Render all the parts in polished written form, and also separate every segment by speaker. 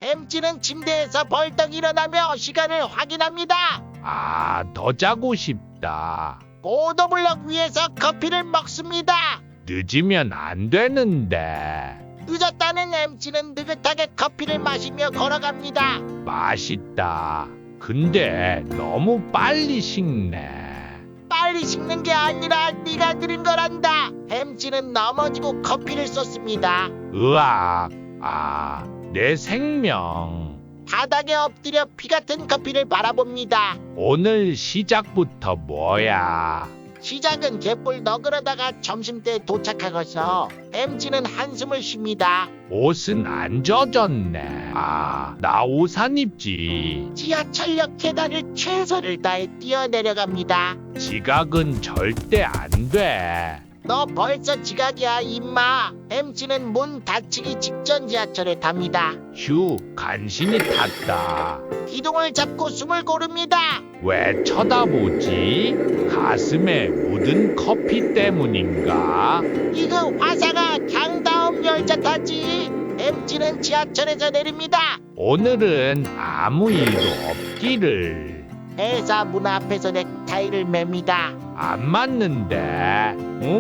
Speaker 1: 햄찌는 침대에서 벌떡 일어나며 시간을 확인합니다.
Speaker 2: 아, 더 자고 싶다.
Speaker 1: 보도블럭 위에서 커피를 먹습니다.
Speaker 2: 늦으면 안 되는데.
Speaker 1: 늦었다는 햄찌는 느긋하게 커피를 마시며 걸어갑니다.
Speaker 2: 맛있다. 근데 너무 빨리 식네.
Speaker 1: 빨리 식는 게 아니라 네가 느린 거란다. 햄찌는 넘어지고 커피를 쏟습니다.
Speaker 2: 으악. 아, 내 생명.
Speaker 1: 바닥에 엎드려 피 같은 커피를 바라봅니다.
Speaker 2: 오늘 시작부터 뭐야?
Speaker 1: 시작은 개뿔 너그러다가 점심때 도착하고서 햄찌는 한숨을 쉽니다.
Speaker 2: 옷은 안 젖었네. 아, 나 우산 입지.
Speaker 1: 지하철역 계단을 최선을 다해 뛰어내려갑니다.
Speaker 2: 지각은 절대 안 돼.
Speaker 1: 너 벌써 지각이야 임마. 햄찌는 문 닫히기 직전 지하철에 탑니다.
Speaker 2: 휴, 간신히 탔다.
Speaker 1: 기둥을 잡고 숨을 고릅니다.
Speaker 2: 왜 쳐다보지? 가슴에 묻은 커피 때문인가?
Speaker 1: 이거 화사가 강다음 열차 타지. 햄찌는 지하철에서 내립니다.
Speaker 2: 오늘은 아무 일도 없기를.
Speaker 1: 회사 문 앞에서 넥타이를 맵니다.
Speaker 2: 안 맞는데.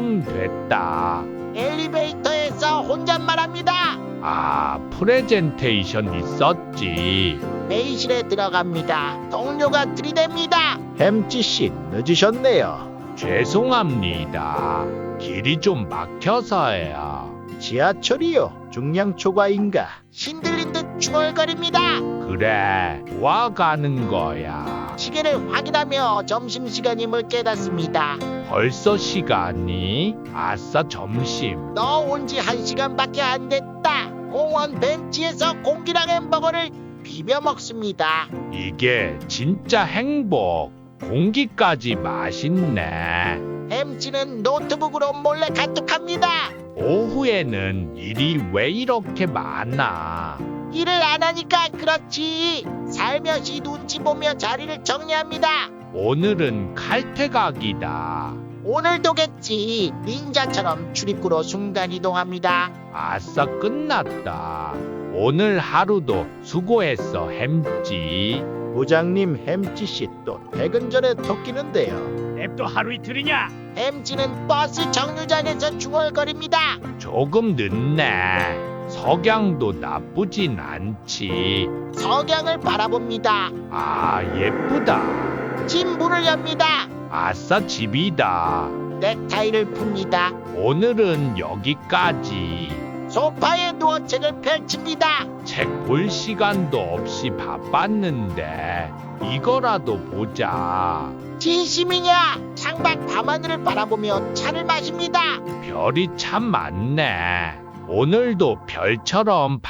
Speaker 2: 됐다.
Speaker 1: 엘리베이터에서 혼잣말합니다.
Speaker 2: 아, 프레젠테이션 있었지.
Speaker 1: 회의실에 들어갑니다. 동료가 들이댑니다.
Speaker 3: 햄찌씨 늦으셨네요.
Speaker 2: 죄송합니다. 길이 좀 막혀서요.
Speaker 3: 지하철이요. 중량 초과인가?
Speaker 1: 신들린 듯 중얼거립니다.
Speaker 2: 그래, 와 가는 거야.
Speaker 1: 시계를 확인하며 점심시간임을 깨닫습니다.
Speaker 2: 벌써 시간이? 아싸, 점심.
Speaker 1: 너 온 지 1시간밖에 안 됐다. 공원 벤치에서 공기랑 햄버거를 비벼 먹습니다.
Speaker 2: 이게 진짜 행복. 공기까지 맛있네.
Speaker 1: 햄찌는 노트북으로 몰래 카톡합니다.
Speaker 2: 오후에는 일이 왜 이렇게 많아?
Speaker 1: 일을 안 하니까 그렇지. 살며시 눈치 보며 자리를 정리합니다.
Speaker 2: 오늘은 칼퇴각이다.
Speaker 1: 오늘도겠지. 닌자처럼 출입구로 순간이동합니다.
Speaker 2: 아싸, 끝났다. 오늘 하루도 수고했어, 햄찌.
Speaker 3: 부장님 햄찌씨 또 퇴근 전에 토끼는데요.
Speaker 4: 냅도 하루 이틀이냐?
Speaker 1: 햄찌는 버스 정류장에서 중얼거립니다.
Speaker 2: 조금 늦네. 석양도 나쁘진 않지.
Speaker 1: 석양을 바라봅니다.
Speaker 2: 아, 예쁘다.
Speaker 1: 집 문을 엽니다.
Speaker 2: 아싸, 집이다.
Speaker 1: 넥타이를 풉니다.
Speaker 2: 오늘은 여기까지.
Speaker 1: 소파에 누워 책을 펼칩니다.
Speaker 2: 책 볼 시간도 없이 바빴는데 이거라도 보자.
Speaker 1: 진심이냐? 창밖 밤하늘을 바라보며 차를 마십니다.
Speaker 2: 별이 참 많네. 오늘도 별처럼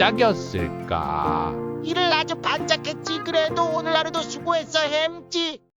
Speaker 2: 반짝였을까?
Speaker 1: 일을 아주 반짝했지. 그래도 오늘 하루도 수고했어 햄찌.